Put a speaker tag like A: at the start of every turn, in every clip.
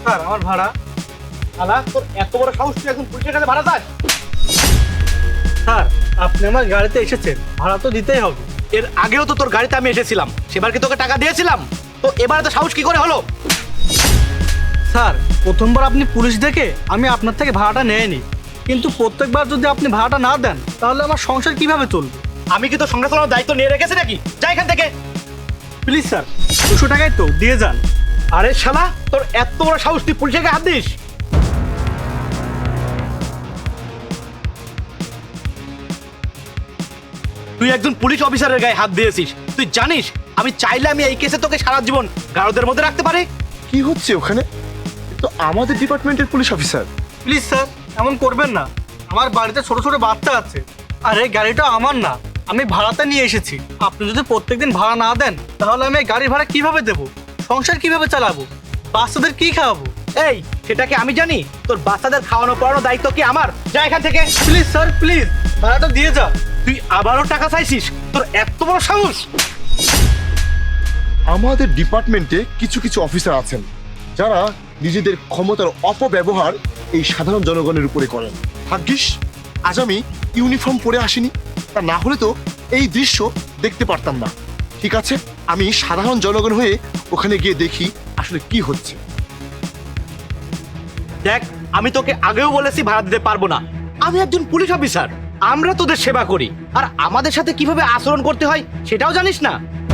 A: Sir আমার ভাড়া।
B: শালা তোর এত বড় সাহস, তুই একজন পুলিশের কাছে ভাড়া চাস?
A: স্যার আপনি আমার গাড়িতে এসেছেন, ভাড়া তো দিতেই হবে।
B: এর আগেও তো তোর গাড়িতে আমি এসেছিলাম, সেবার কি তোকে টাকা দিয়েছিলাম? তো এবারে তো সাহস কি করে হলো?
A: স্যার প্রথমবার আপনি পুলিশ দেখে আমি আপনার থেকে ভাড়াটা নেয়নি, কিন্তু প্রত্যেকবার যদি আপনি ভাড়াটা না দেন তাহলে আমার সংসার কিভাবে চলবে?
B: আমি কি তোর সংসার চালানোর দায়িত্ব নিয়ে রেখেছি নাকি? যা এখান থেকে।
A: প্লিজ স্যার 200 টাকায় তো দিয়ে যান।
B: আরে শালা তোর এত বড় সাহস, তুই পুলিশের গায়ে হাত দিস? তুই একজন পুলিশ অফিসারের গায়ে হাত দিয়েছিস। তুই জানিস আমি চাইলে আমি এই কেসে তোকে সারা জীবন গারদের মধ্যে রাখতে পারি।
C: কি হচ্ছে ওখানে? তো আমাদের ডিপার্টমেন্টের পুলিশ অফিসার।
A: প্লিজ স্যার এমন করবেন না, আমার বাড়িতে ছোট ছোট বাচ্চা আছে, আর এই গাড়িটা আমার না, আমি ভাড়াতে নিয়ে এসেছি। আপনি যদি প্রত্যেকদিন ভাড়া না দেন তাহলে আমি এই গাড়ির ভাড়া কিভাবে দেবো? সংসার কিভাবে চালাবো? বাচ্চাদের কি খাওয়াবো?
B: এই সেটাকে আমি জানি? তোর বাচ্চাদের খাওয়ানো পড়ানোর দায়িত্ব কি আমার? যা এখান থেকে।
A: প্লিজ স্যার প্লিজ ভাড়াটা দিয়ে যা।
B: তুই আবারও টাকা চাইছিস? তোর এত বড় সাহস!
C: আমাদের ডিপার্টমেন্টে কিছু কিছু অফিসার আছেন যারা নিজেদের ক্ষমতার অপব্যবহার এই সাধারণ জনগণের উপরে করেন। ভাগ্যিস আজ আমি ইউনিফর্ম পরে আসিনি, তা না হলে তো এই দৃশ্য দেখতে পারতাম না। ঠিক আছে, আমি সাধারণ জনগণ হয়ে ওখানে গিয়ে দেখি আসলে কি হচ্ছে।
B: দেখ, আমি তোকে আগেও বলেছি ভাড়া দিতে পারবো না। আমি একজন পুলিশ অফিসার, আমরা তোদের সেবা করি, আর আমাদের সাথে কিভাবে আচরণ করতে হয় সেটাও জানিস না?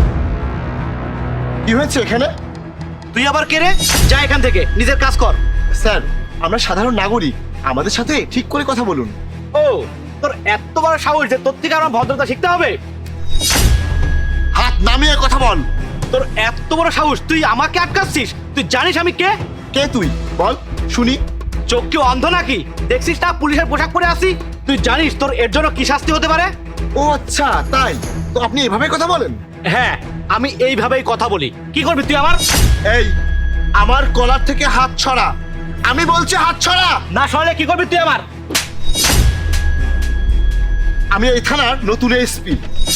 C: কি হয়েছে এখানে?
B: তুই আবার কে রে? যা এখান থেকে, নিজের কাজ কর।
C: স্যার, আমরা সাধারণ নাগরিক, আমাদের সাথে ঠিক করে কথা বলুন।
B: ও, তোর এত বড় সাহস যে তোর থেকে আমার ভদ্রতা শিখতে হবে?
C: হাত নামিয়ে কথা বল।
B: তোর এত বড় সাহস, তুই আমাকে আটকাচ্ছিস? তুই জানিস আমি কে?
C: কে তুই? বল শুনি।
B: চোখ কি অন্ধ নাকি? দেখছিস না পুলিশের পোশাক পরে আসি? তুই জানিস তোর এর জন্য কি শাস্তি হতে পারে?
C: ও আচ্ছা, তাই তো আপনি এভাবে কথা বলেন?
B: হ্যাঁ, আমি এইভাবেই কথা বলি। কি করবি তুই আমার?
C: এই, আমার কলার থেকে হাত ছড়া। আমি বলছি হাত ছড়া।
B: না সরলে কি করবি তুই আমার?
C: আমি এই থানার নতুন এসপি।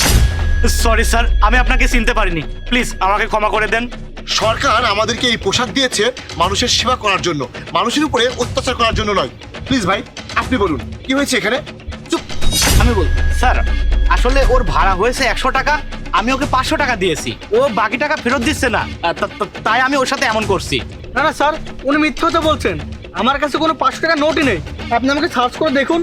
B: সরি স্যার, আমি আপনাকে চিনতে পারিনি, প্লিজ আমাকে ক্ষমা করে দেন।
C: সরকার আমাদেরকে এই পোশাক দিয়েছে মানুষের সেবা করার জন্য, মানুষের উপরে অত্যাচার করার জন্য নয়। প্লিজ ভাই, আপনি বলুন কি হয়েছে এখানে?
B: চুপ, আমি বল। স্যার, আসলে ওর ভাড়া হয়েছে 100 টাকা, আমি ওকে 500 টাকা দিয়েছি, ও বাকি টাকা ফেরত দিচ্ছে না, তাই আমি ওর সাথে এমন করছি।
A: না না স্যার, উনি মিথ্যে কথা বলছেন। আমার কাছে কোনো 500 টাকা নোটই নেই, আপনি আমাকে সার্চ করে দেখুন।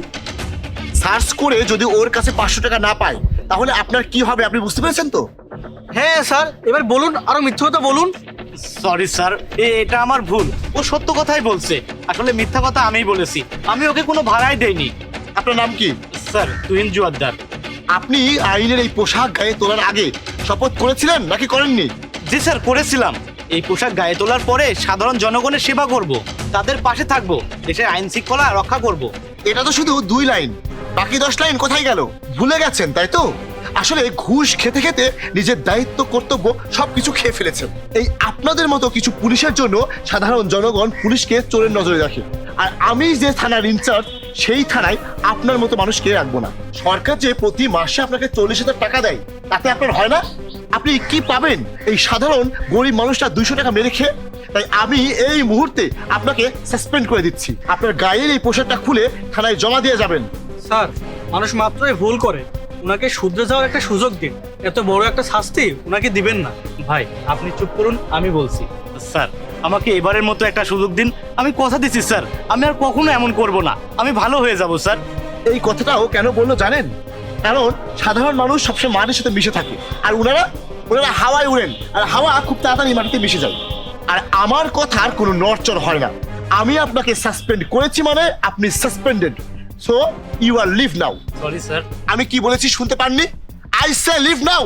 C: সার্চ করে যদি ওর কাছে 500 টাকা না পায় তাহলে আপনার কি হবে আপনি বুঝতে পেরেছেন তো?
A: হ্যাঁ স্যার, এবার বলুন, আরো মিথ্যে কথা বলুন।
B: সরি স্যার, এটা আমার ভুল, ও সত্য কথাই বলছে, আসলে মিথ্যা কথা আমিই বলেছি, আমি ওকে কোনো ভাড়াই দেইনি।
C: আপনার নাম কি?
B: স্যার, তুহিন জুয়াদ্দার।
C: আপনি আইনের এই পোশাক গায়ে তোলার আগে শপথ করেছিলেন নাকি করেননি?
B: জি স্যার, করেছিলাম। এই পোশাক গায়ে তোলার পরে সাধারণ জনগণের সেবা করব, তাদের পাশে থাকব, দেশের আইন শৃঙ্খলা রক্ষা করব।
C: এটা তো শুধু 2 লাইন, বাকি 10 লাইন কোথায় গেল? ভুলে গেছেন তাই তো? আসলে ঘুষ খেতে খেতে নিজের দায়িত্ব কর্তব্য সবকিছু খেয়ে ফেলেছেন। এই আপনাদের মতো কিছু পুলিশের জন্য সাধারণ জনগণ পুলিশকে চোরের নজরে রাখে, আর আমি যে থানার ইনচার্জ সেই থানায় আপনার মতো মানুষকে রাখবো না। সরকার যে প্রতি মাসে আপনাকে 40,000 টাকা দেয়, তাতে আপনার হয় না? আপনি কি পাবেন এই সাধারণ গরিব মানুষটা 200 টাকা মেরে খেয়ে? তাই আমি এই মুহূর্তে আপনাকে সাসপেন্ড করে দিচ্ছি। আপনার গায়ের এই পোশাকটা খুলে থানায় জমা দিয়ে যাবেন।
A: স্যার, মানুষ মাত্রই ভুল করে, ওনাকে শুধরে যাওয়ার একটা সুযোগ দিন, এত বড় একটা শাস্তি ওনাকে দিবেন না।
B: ভাই আপনি চুপ করুন, আমি বলছি। স্যার, আমাকে এবারের মতো একটা সুযোগ দিন, আমি কথা দিচ্ছি স্যার, আমি আর কখনো এমন করব না, আমি ভালো হয়ে যাব স্যার।
C: এই কথাটাও কেন বললো জানেন? কারণ সাধারণ মানুষ সবসময় মাটির সাথে মিশে থাকে, আর ওনারা হাওয়ায় উড়েন, আর হাওয়া খুব তাড়াতাড়ি মাটিতে মিশে যায়, আর আমার কথার কোনো নড়চড় হয় না। আমি আপনাকে সাসপেন্ড করেছি মানে আপনি suspended, so you are leave now.
B: Sorry sir.
C: আমি কি বলেছি শুনতে পাননি? I say leave now.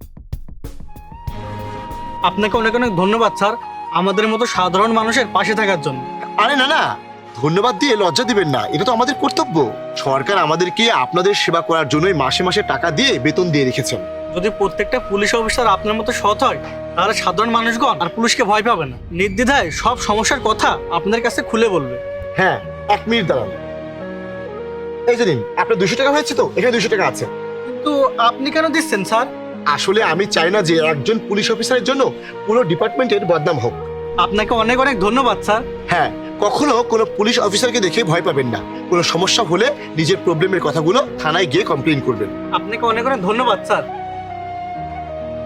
A: আপনাকে অনেক অনেক ধন্যবাদ স্যার, আমাদের মতো সাধারণ মানুষের পাশে থাকার জন্য।
C: আরে না না, ধন্যবাদ দিয়ে লজ্জা দিবেন না, এটা তো আমাদের কর্তব্য। সরকার আমাদেরকে আপনাদের সেবা করার জন্যই মাসে মাসে টাকা দিয়ে বেতন দিয়ে রেখেছেন।
A: যদি প্রত্যেকটা পুলিশ অফিসার আপনার মতো সৎ হয় তাহলে সাধারণ মানুষগণ আর পুলিশকে ভয় পাবে না, নির্দ্বিধায় সব সমস্যার কথা আপনাদের কাছে খুলে বলবে।
C: হ্যাঁ, 1 মিনিট দাঁড়ান। এই যে নিন, আপনার 200 টাকা হয়েছে তো, এখানে 200 টাকা আছে।
A: কিন্তু আপনি কেন দিচ্ছেন স্যার?
C: আসলে আমি চাই না যে একজন পুলিশ অফিসারের জন্য পুরো ডিপার্টমেন্টের বদনাম হোক।
A: আপনাকে অনেক অনেক ধন্যবাদ স্যার।
C: হ্যাঁ, কখনো কোনো পুলিশ অফিসারকে দেখে ভয় পাবেন না। কোনো সমস্যা হলে নিজের প্রবলেমের কথাগুলো থানায় গিয়ে কমপ্লেন করবেন।
A: আপনাকে অনেক অনেক ধন্যবাদ স্যার।